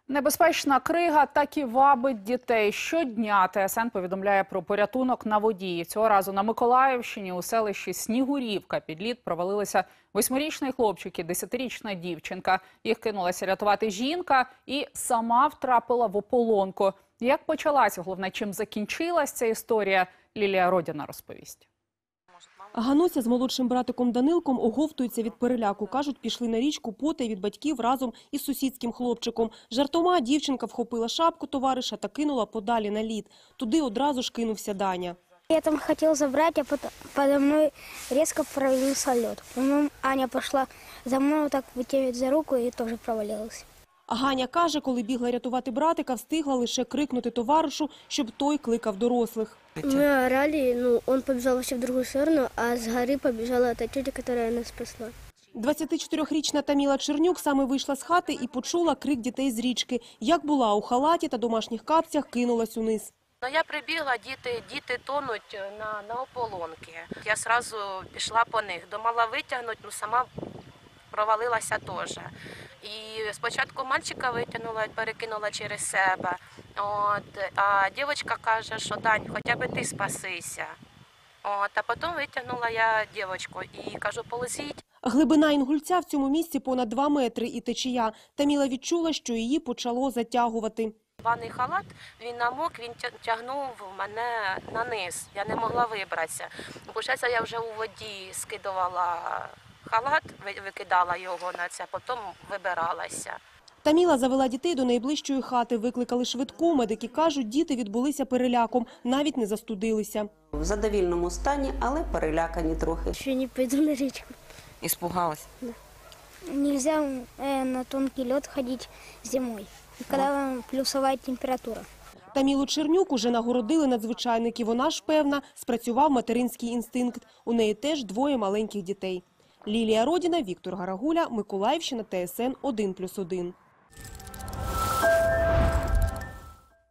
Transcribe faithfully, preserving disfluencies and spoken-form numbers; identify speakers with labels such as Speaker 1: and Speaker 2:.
Speaker 1: Небезпечна крига так і вабить дітей. Щодня ТСН повідомляє про порятунок на воді. Цього разу на Миколаївщині у селищі Снігурівка під лід провалилися восьмирічний хлопчик і десятирічна дівчинка. Їх кинулася рятувати жінка і сама втрапила в ополонку. Як почалася, головне, чим закінчилась ця історія, Лілія Родіна розповість.
Speaker 2: Гануся з молодшим братиком Данилком оговтуються від переляку. Кажуть, пішли на річку потай від батьків разом із сусідським хлопчиком. Жартома дівчинка вхопила шапку товариша та кинула подалі на лід. Туди одразу ж кинувся Даня.
Speaker 3: Я там хотел забрать, а потом подо мной резко провалился лед. Потом Аня пошла за мной, вот так вытягивать за руку и тоже провалилась.
Speaker 2: А Ганя каже, коли бігла рятувати братика, встигла лише крикнути товаришу, щоб той кликав дорослих.
Speaker 3: Мы орали, ну, он побежал вообще в другую сторону, а с горы побежала та тетя, которая нас спасла.
Speaker 2: двадцятичотирирічна Таміла Чернюк саме вийшла з хати і почула крик дітей з річки. Як була у халаті та домашніх капцях, кинулась униз.
Speaker 4: Ну, я прибігла, діти, діти тонуть на, на ополонки. Я одразу пішла по них. Думала витягнути, ну сама провалилася теж. І спочатку мальчика витягнула, перекинула через себе. От, а дівчинка каже, що Дань, хоча б ти спасися. От, а потім витягнула я дівчинку і кажу, полезіть.
Speaker 2: Глибина Інгульця в цьому місці понад два метри і течія. Таміла відчула, що її почало затягувати.
Speaker 4: Ванний халат, він намок, він тягнув мене на низ. Я не могла вибратися. Получається, я вже у воді скидувала халат, викидала його на це, потім вибиралася.
Speaker 2: Таміла завела дітей до найближчої хати, викликали швидку. Медики кажуть, діти відбулися переляком, навіть не застудилися.
Speaker 5: В задовільному стані, але перелякані трохи.
Speaker 3: Ще не пойду на речку.
Speaker 6: Испугалась?
Speaker 3: Да. Нельзя э, на тонкий лед ходить зимой, когда плюсовая температура.
Speaker 2: Тамілу Чернюк уже нагородили надзвичайники. Вона ж, певна, спрацював материнський інстинкт. У неї теж двоє маленьких дітей. Лілія Родіна, Віктор Гарагуля, Миколаївщина, ТСН один плюс один.